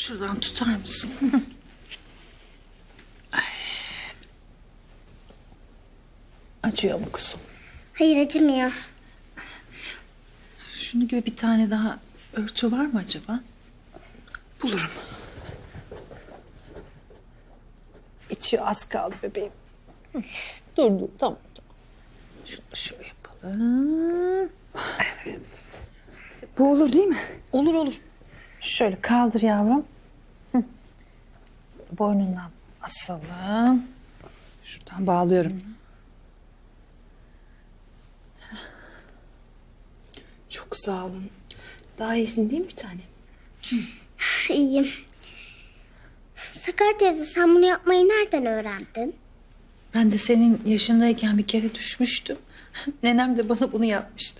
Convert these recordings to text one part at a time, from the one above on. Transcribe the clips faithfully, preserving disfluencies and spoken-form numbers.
Şuradan tutar mısın? Ay. Acıyor mu kuzum? Hayır, acımıyor. Şunu gibi bir tane daha örtü var mı acaba? Bulurum. Bitiyor, az kaldı bebeğim. Dur dur, tamam tamam. Şunu şöyle yapalım. Evet. Bu olur değil mi? Olur olur. Şöyle kaldır yavrum. Hı. Boynundan asalım. Şuradan bağlıyorum. Çok sağ olun. Daha iyisin değil mi bir tane? İyiyim. Sakar teyze, sen bunu yapmayı nereden öğrendin? Ben de senin yaşındayken bir kere düşmüştüm. Nenem de bana bunu yapmıştı.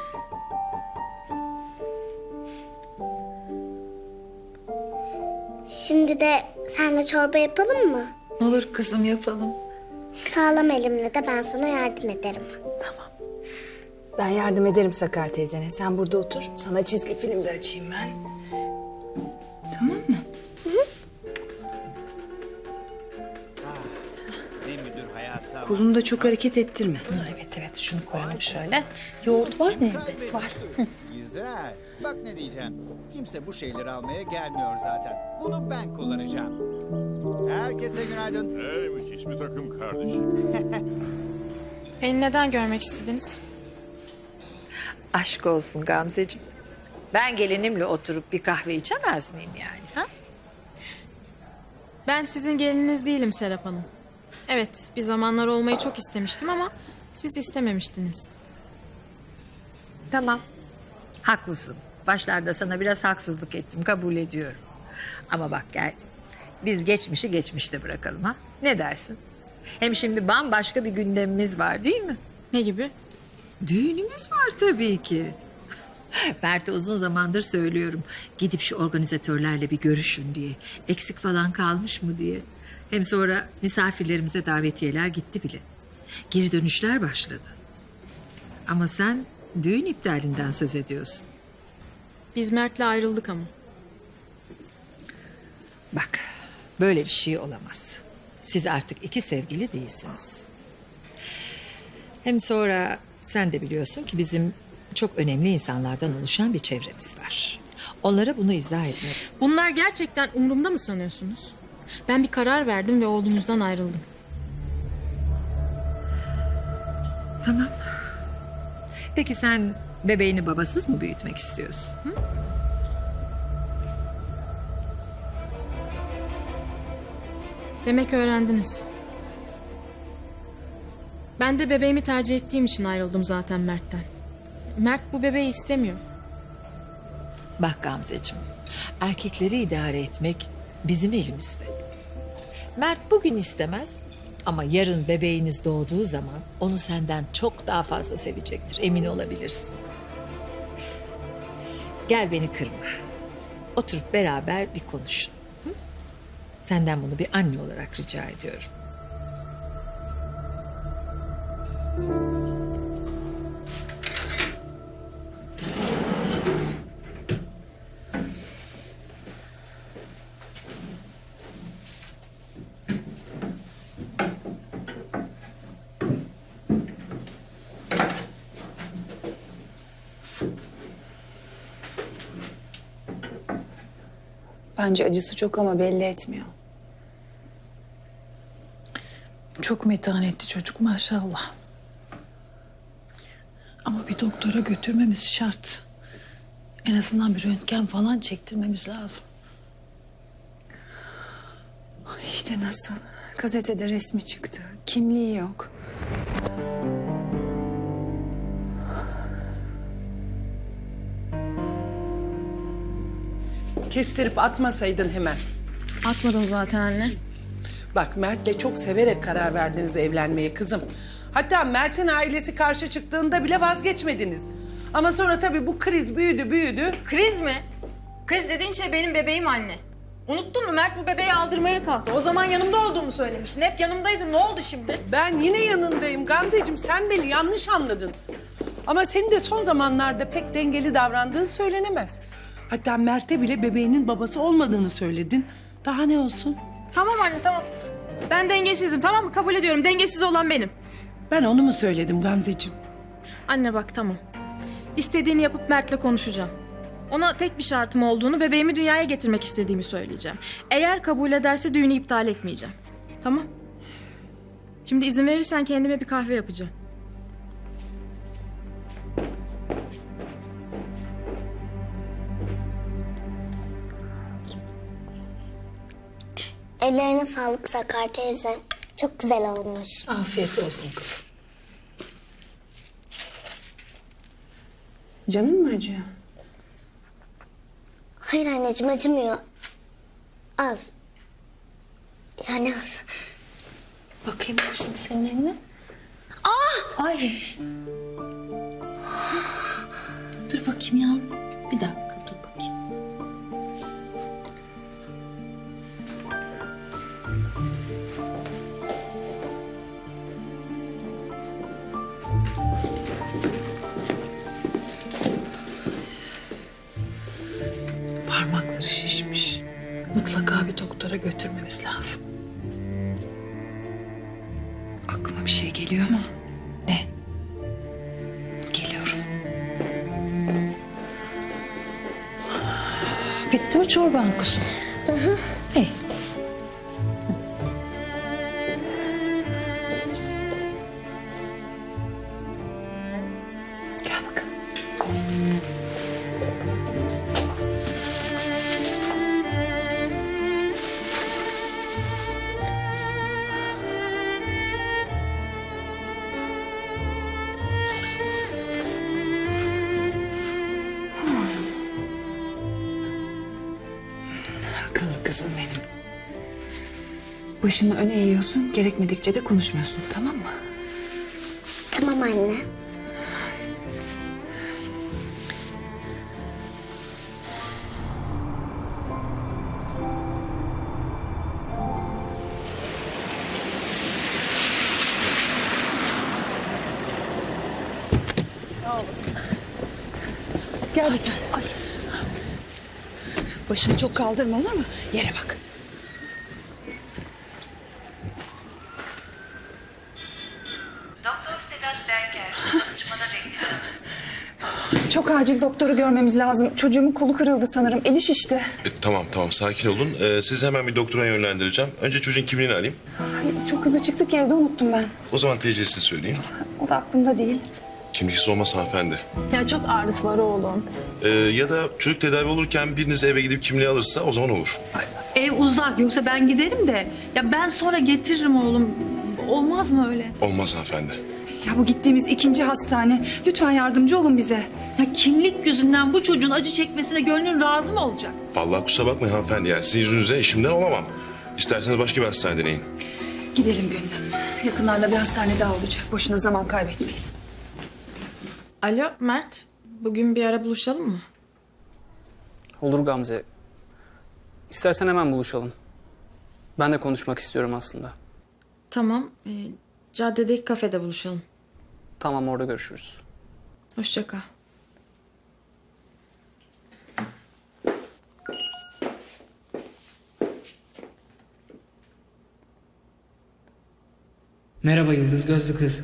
Şimdi de senle çorba yapalım mı? Olur kızım, yapalım. Sağlam elimle de ben sana yardım ederim. Tamam. Ben yardım ederim Sakar teyzene. Sen burada otur. Sana çizgi film de açayım ben. Tamam mı? Ne müdür hayatı ama. Kolunu da çok hareket ettirme. Ha, evet evet, şunu koyalım şöyle. Yoğurt var mı evde? Var. Güzel. Bak ne diyeceğim. Kimse bu şeyleri almaya gelmiyor zaten. Bunu ben kullanacağım. Herkese günaydın. Hey, müthiş bir takım kardeşim. Beni neden görmek istediniz? Aşk olsun Gamzeciğim. Ben gelinimle oturup bir kahve içemez miyim yani? Ha? Ben sizin gelininiz değilim Serap Hanım. Evet, bir zamanlar olmayı çok istemiştim ama siz istememiştiniz. Tamam. Haklısın. Başlarda sana biraz haksızlık ettim, kabul ediyorum. Ama bak gel, biz geçmişi geçmişte bırakalım ha. Ne dersin? Hem şimdi bambaşka bir gündemimiz var değil mi? Ne gibi? Düğünümüz var tabii ki. Mert'e uzun zamandır söylüyorum. Gidip şu organizatörlerle bir görüşün diye. Eksik falan kalmış mı diye. Hem sonra misafirlerimize davetiyeler gitti bile. Geri dönüşler başladı. Ama sen düğün iptalinden söz ediyorsun. Biz Mert'le ayrıldık ama. Bak, böyle bir şey olamaz. Siz artık iki sevgili değilsiniz. Hem sonra sen de biliyorsun ki bizim çok önemli insanlardan oluşan bir çevremiz var. Onlara bunu izah etmek. Bunlar gerçekten umurumda mı sanıyorsunuz? Ben bir karar verdim ve oğlunuzdan ayrıldım. Tamam. Peki sen bebeğini babasız mı büyütmek istiyorsun? Hı? Demek öğrendiniz. Ben de bebeğimi tercih ettiğim için ayrıldım zaten Mert'ten. Mert bu bebeği istemiyor. Bak Gamzeciğim, erkekleri idare etmek bizim elimizde. Mert bugün istemez ama yarın bebeğiniz doğduğu zaman onu senden çok daha fazla sevecektir, emin olabilirsin. Gel beni kırma. Oturup beraber bir konuşun. Hı? Senden bunu bir anne olarak rica ediyorum. Bence acısı çok ama belli etmiyor. Çok metanetli çocuk maşallah. Ama bir doktora götürmemiz şart. En azından bir röntgen falan çektirmemiz lazım. İşte nasıl? Gazetede resmi çıktı. Kimliği yok. Kestirip atmasaydın hemen. Atmadım zaten anne. Bak Mert'le çok severek karar verdiniz evlenmeye kızım. Hatta Mert'in ailesi karşı çıktığında bile vazgeçmediniz. Ama sonra tabii bu kriz büyüdü büyüdü. Kriz mi? Kriz dediğin şey benim bebeğim anne. Unuttun mu? Mert bu bebeği aldırmaya kalktı. O zaman yanımda olduğumu söylemiştin. Hep yanımdaydın. Ne oldu şimdi? Ben yine yanındayım Gamzeciğim, sen beni yanlış anladın. Ama senin de son zamanlarda pek dengeli davrandığın söylenemez. Hatta Mert'e bile bebeğinin babası olmadığını söyledin. Daha ne olsun? Tamam anne tamam. Ben dengesizim tamam mı? Kabul ediyorum. Dengesiz olan benim. Ben onu mu söyledim Gamzeciğim? Anne bak tamam. İstediğini yapıp Mert'le konuşacağım. Ona tek bir şartım olduğunu, bebeğimi dünyaya getirmek istediğimi söyleyeceğim. Eğer kabul ederse düğünü iptal etmeyeceğim. Tamam? Şimdi izin verirsen kendime bir kahve yapacağım. Ellerine sağlık Sakar teyze. Çok güzel olmuş. Afiyet olsun kuzum. Canın mı acıyor? Hayır anneciğim acımıyor. Az. Yani az. Bakayım kuzum senin eline. Ah! Ay. Dur bakayım yavrum. Bir dakika dur bakayım. Parmakları şişmiş. Mutlaka bir doktora götürmemiz lazım. Aklıma bir şey geliyor ama. Ne? Geliyorum. Bitti mi çorban kuzum? Hı hı. İyi. Gel bakalım. Akıllı kızım benim. Başını öne eğiyorsun, gerekmedikçe de konuşmuyorsun, tamam mı? Tamam anne. Gel bir tane. Ay. Başını çok kaldırma olur mu? Yere bak. Doktor Sedat Berker çalışmada bekliyor. Çok acil doktoru görmemiz lazım. Çocuğumun kolu kırıldı sanırım. Eli şişti. E, tamam tamam sakin olun. Ee, sizi hemen bir doktora yönlendireceğim. Önce çocuğun kimliğini alayım. Ay, çok hızlı çıktık ki evde unuttum ben. O zaman T C'sini söyleyeyim. O da aklımda değil. Kimliksiz olmaz hanımefendi. Ya çok ağrısı var oğlum. Ee, ya da çocuk tedavi olurken biriniz eve gidip kimliği alırsa o zaman olur. Ev uzak yoksa ben giderim de. Ya ben sonra getiririm oğlum. Olmaz mı öyle? Olmaz hanımefendi. Ya bu gittiğimiz ikinci hastane. Lütfen yardımcı olun bize. Ya kimlik yüzünden bu çocuğun acı çekmesine gönlün razı mı olacak? Vallahi kusura bakmayın hanımefendi. Yani sizin yüzünüzden işimden olamam. İsterseniz başka bir hastane deneyin. Gidelim Gönül Hanım. Yakınlarda bir hastane daha olacak. Boşuna zaman kaybetmeyin. Alo Mert, bugün bir ara buluşalım mı? Olur Gamze. İstersen hemen buluşalım. Ben de konuşmak istiyorum aslında. Tamam, e, caddedeki kafede buluşalım. Tamam, orada görüşürüz. Hoşça kal. Merhaba Yıldız Gözlü Kız.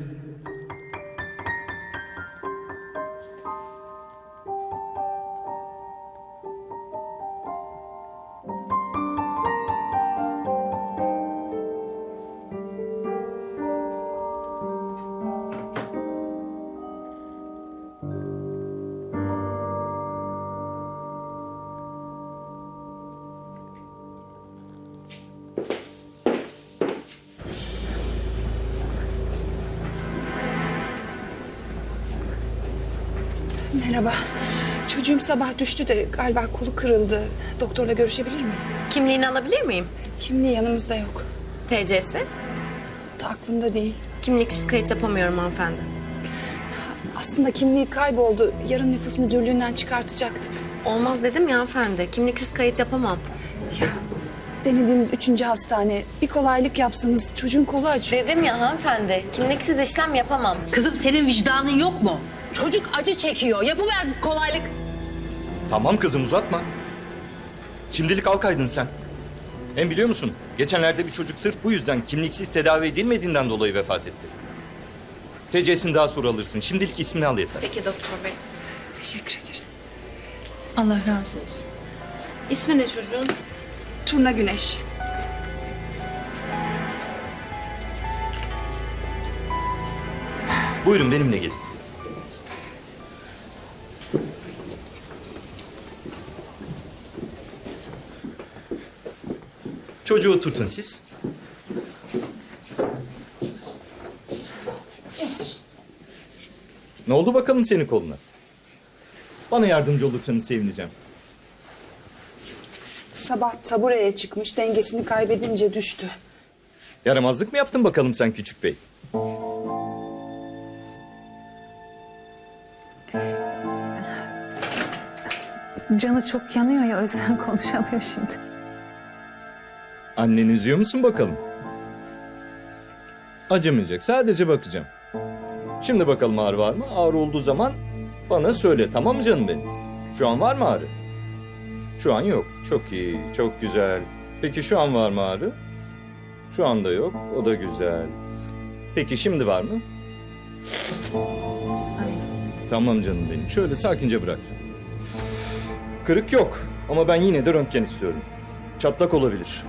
Merhaba. Çocuğum sabah düştü de galiba kolu kırıldı. Doktorla görüşebilir miyiz? Kimliğini alabilir miyim? Kimliği yanımızda yok. T C'si? O da aklımda değil. Kimliksiz kayıt yapamıyorum hanımefendi. Aslında kimliği kayboldu. Yarın nüfus müdürlüğünden çıkartacaktık. Olmaz dedim ya hanımefendi. Kimliksiz kayıt yapamam. Ya denediğimiz üçüncü hastane. Bir kolaylık yapsanız çocuğun kolu acıyor. Dedim ya hanımefendi. Kimliksiz işlem yapamam. Kızım senin vicdanın yok mu? Çocuk acı çekiyor. Yapıver bir kolaylık. Tamam kızım uzatma. Şimdilik al kaydını sen. Hem biliyor musun? Geçenlerde bir çocuk sırf bu yüzden kimliksiz tedavi edilmediğinden dolayı vefat etti. T C'sini daha sonra alırsın. Şimdilik ismini al yeter. Peki doktor bey. Teşekkür ederiz. Allah razı olsun. İsmi ne çocuğun? Turna Güneş. Buyurun benimle gelin. Çocuğu oturtun siz. Ne oldu bakalım senin koluna? Bana yardımcı olursanız sevineceğim. Sabah tabureye çıkmış, dengesini kaybedince düştü. Yaramazlık mı yaptın bakalım sen küçük bey? Canı çok yanıyor ya, o yüzden konuşamıyor şimdi. Anneni üzüyor musun bakalım? Acımayacak. Sadece bakacağım. Şimdi bakalım ağrı var mı? Ağrı olduğu zaman bana söyle. Tamam mı canım benim? Şu an var mı ağrı? Şu an yok. Çok iyi. Çok güzel. Peki şu an var mı ağrı? Şu anda yok. O da güzel. Peki şimdi var mı? Tamam canım benim. Şöyle sakince bıraksın. Kırık yok. Ama ben yine de röntgen istiyorum. Çatlak olabilir.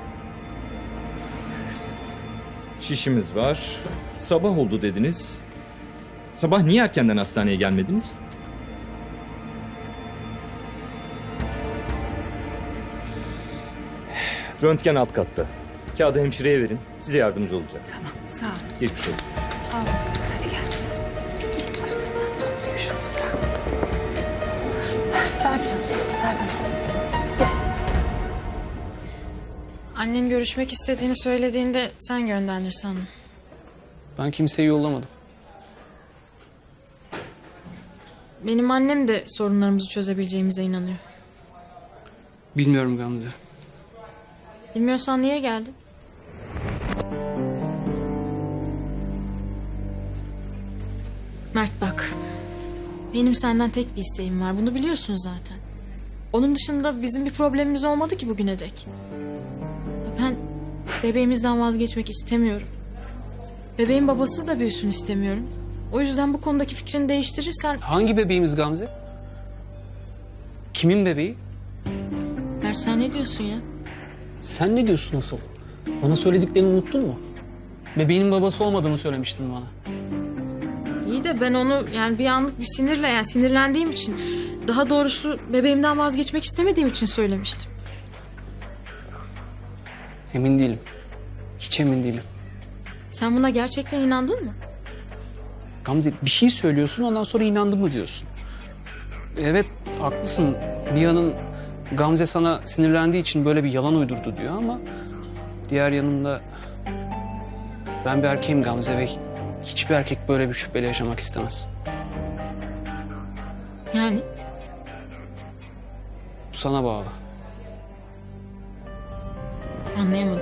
Şişimiz var. Sabah oldu dediniz. Sabah niye erkenden hastaneye gelmediniz? Röntgen alt katta. Kağıdı hemşireye verin. Size yardımcı olacak. Tamam, sağ ol. Geçmiş olsun. Hadi gel. Toplayayım şunu, bırak. Ver canım, ver bana. Annen görüşmek istediğini söylediğinde sen gönderdin sandım. Ben kimseyi yollamadım. Benim annem de sorunlarımızı çözebileceğimize inanıyor. Bilmiyorum Gamze. Bilmiyorsan niye geldin? Mert bak. Benim senden tek bir isteğim var. Bunu biliyorsun zaten. Onun dışında bizim bir problemimiz olmadı ki bugüne dek. Ben bebeğimizden vazgeçmek istemiyorum. Bebeğin babasız da büyüsün istemiyorum. O yüzden bu konudaki fikrini değiştirirsen... Hangi bebeğimiz Gamze? Kimin bebeği? Mert sen ne diyorsun ya? Sen ne diyorsun asıl? Bana söylediklerini unuttun mu? Bebeğinin babası olmadığını söylemiştin bana. İyi de ben onu yani bir anlık bir sinirle yani sinirlendiğim için... Daha doğrusu bebeğimden vazgeçmek istemediğim için söylemiştim. Emin değilim. Hiç emin değilim. Sen buna gerçekten inandın mı? Gamze bir şey söylüyorsun ondan sonra inandım mı diyorsun. Evet haklısın. Bir yanın Gamze sana sinirlendiği için böyle bir yalan uydurdu diyor ama... Diğer yanında ben bir erkeğim Gamze ve hiçbir erkek böyle bir şüpheyle yaşamak istemez. Yani? Bu sana bağlı. Anlayamadım.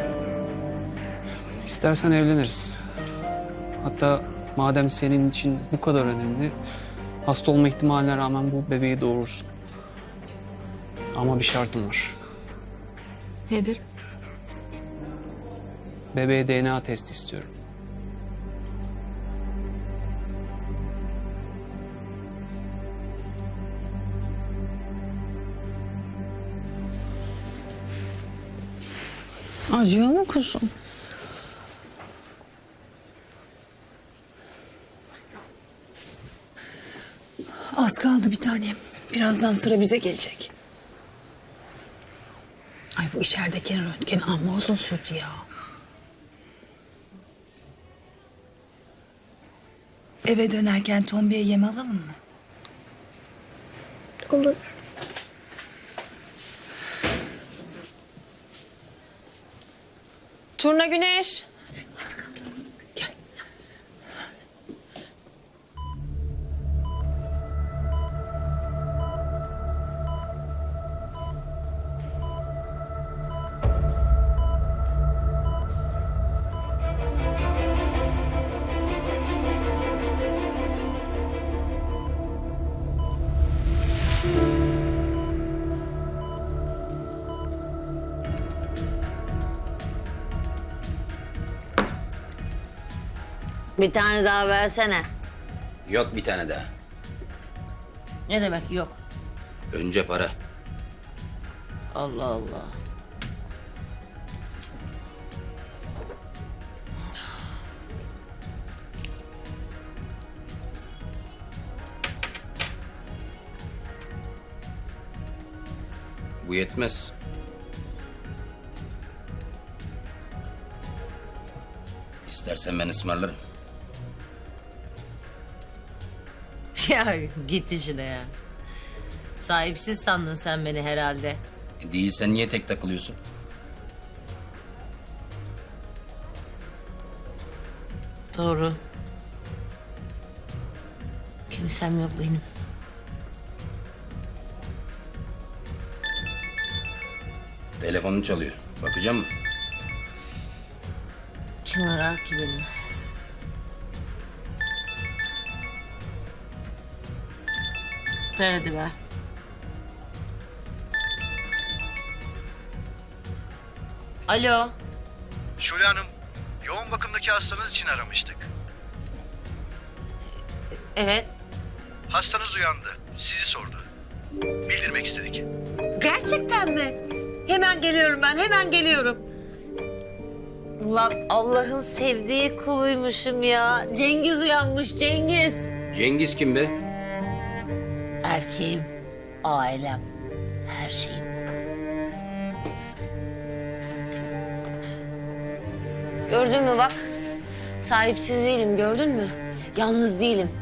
İstersen evleniriz. Hatta madem senin için bu kadar önemli, hasta olma ihtimaline rağmen bu bebeği doğurursun. Ama bir şartım var. Nedir? Bebeğe D N A testi istiyorum. Acıyor mu kuzum? Az kaldı bir tanem. Birazdan sıra bize gelecek. Ay bu içerideki röntgen amma uzun sürdü ya. Eve dönerken Tombi'ye yem alalım mı? Olur. Turna Güneş. Bir tane daha versene. Yok bir tane daha. Ne demek yok? Önce para. Allah Allah. Bu yetmez. İstersen ben ısmarlarım. Ya git işine ya. Sahipsiz sandın sen beni herhalde. E değilsen niye tek takılıyorsun? Doğru. Kimsem yok benim. Telefonun çalıyor. Bakacağım mı? Kim arar ki beni? Ver hadi ver. Alo. Şule Hanım, yoğun bakımdaki hastanız için aramıştık. Evet. Hastanız uyandı, sizi sordu. Bildirmek istedik. Gerçekten mi? Hemen geliyorum ben, hemen geliyorum. Ulan Allah'ın sevdiği kuluymuşum ya. Cengiz uyanmış, Cengiz. Cengiz kim be? Erkeğim, ailem, her şeyim. Gördün mü bak? Sahipsiz değilim, gördün mü? Yalnız değilim.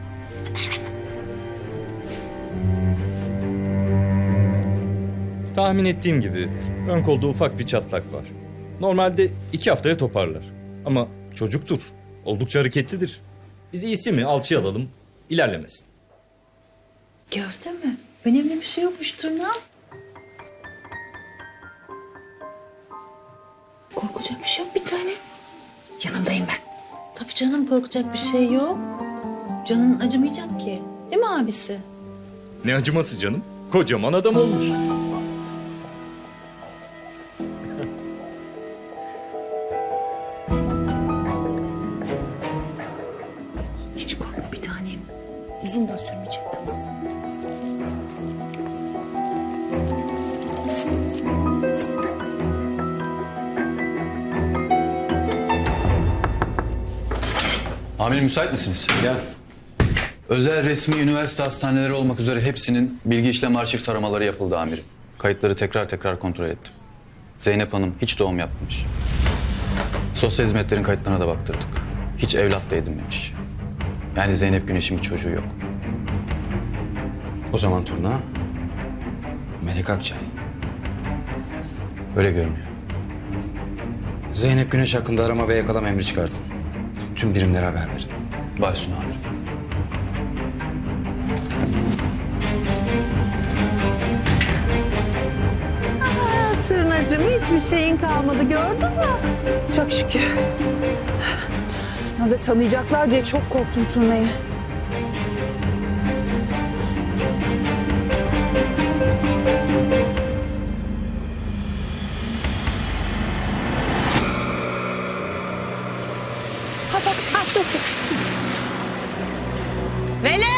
Tahmin ettiğim gibi ön kolda ufak bir çatlak var. Normalde iki haftaya toparlar. Ama çocuktur. Oldukça hareketlidir. Biz iyisi mi alçıya alalım, ilerlemesin. Gördün mü? Önemli bir şey yokmuş tırnağım. Korkacak bir şey yok bir tane. Yanımdayım ben. Tabii canım korkacak bir şey yok. Canın acımayacak ki. Değil mi abisi? Ne acıması canım? Kocaman adam olmuş. Hiç korkma bir tanem. Uzun da sürmeyecek tamam. Amirim müsait misiniz? Gel. Özel resmi üniversite hastaneleri olmak üzere hepsinin bilgi işlem arşiv taramaları yapıldı amirim. Kayıtları tekrar tekrar kontrol ettim. Zeynep Hanım hiç doğum yapmamış. Sosyal hizmetlerin kayıtlarına da baktırdık. Hiç evlat da edinmemiş. Yani Zeynep Güneş'in bir çocuğu yok. O zaman Turna, Melek Akçay. Öyle görünüyor. Zeynep Güneş hakkında arama ve yakalama emri çıkarsın. Tüm birimlere haber verin. Başüstüne amirim. Tırnacığım hiçbir şeyin kalmadı gördün mü? Çok şükür. Yalnız tanıyacaklar diye çok korktum turnayı. Hadi hadi hadi. Dur. Melek!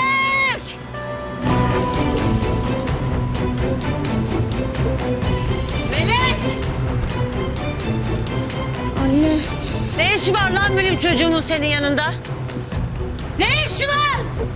Melek! Anne. Ne işi var lan benim çocuğumun senin yanında? Ne işi var?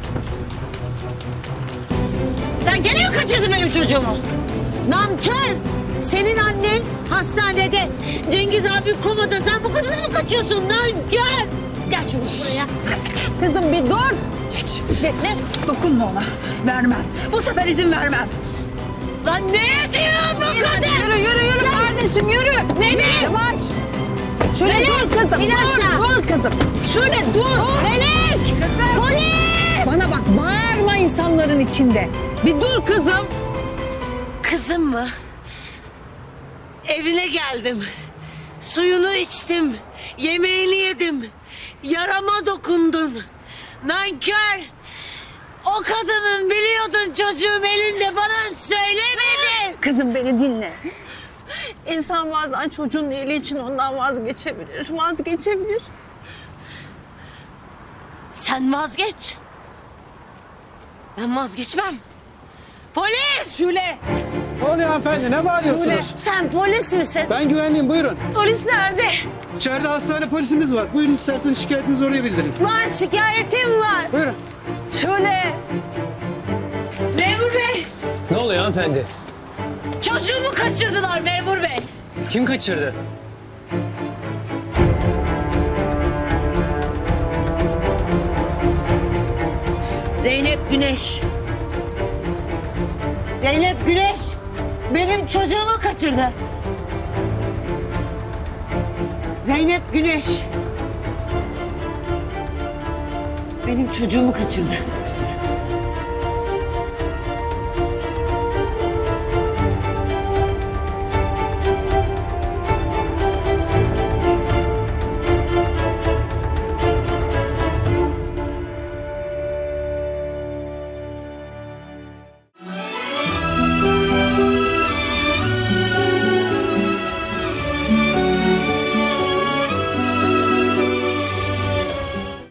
Sen gene mi kaçırdın benim çocuğumu? Nankör! Senin annen hastanede. Cengiz abi komada. Sen bu kadına mı kaçıyorsun? Nankör! Gel çabuk buraya. Kızım bir dur. Geç. Ne? Dokunma ona. Vermem. Bu sefer izin vermem. Lan ne diyor bu kadın? Yürü yürü yürü kardeşim yürü. Melek! Yavaş. Şöyle Melek, dur kızım. in aşağı. Dur, dur kızım. Şöyle dur! Melek! Kızım. Polis! Bana bak bağırma insanların içinde. Bir dur kızım. Kızım mı? Evine geldim. Suyunu içtim. Yemeğini yedim. Yarama dokundun. Nankör! O kadının biliyordun çocuğum elinde bana söylemedin. Kızım beni dinle. İnsan bazen çocuğun iyiliği için ondan vazgeçebilir. Vazgeçebilir. Sen vazgeç. Ben vazgeçmem. Polis! Şule! Ne oluyor hanımefendi? Ne bağırıyorsunuz? Sen polis misin? Ben güvenliyim, buyurun. Polis nerede? İçeride hastane polisimiz var. Buyurun isterseniz şikayetinizi oraya bildirin. Var, şikayetim var. Buyurun. Şule! Memur bey! Ne oluyor hanımefendi? Çocuğumu kaçırdılar memur bey. Kim kaçırdı? Zeynep Güneş. Zeynep Güneş benim çocuğumu kaçırdı. Zeynep Güneş benim çocuğumu kaçırdı.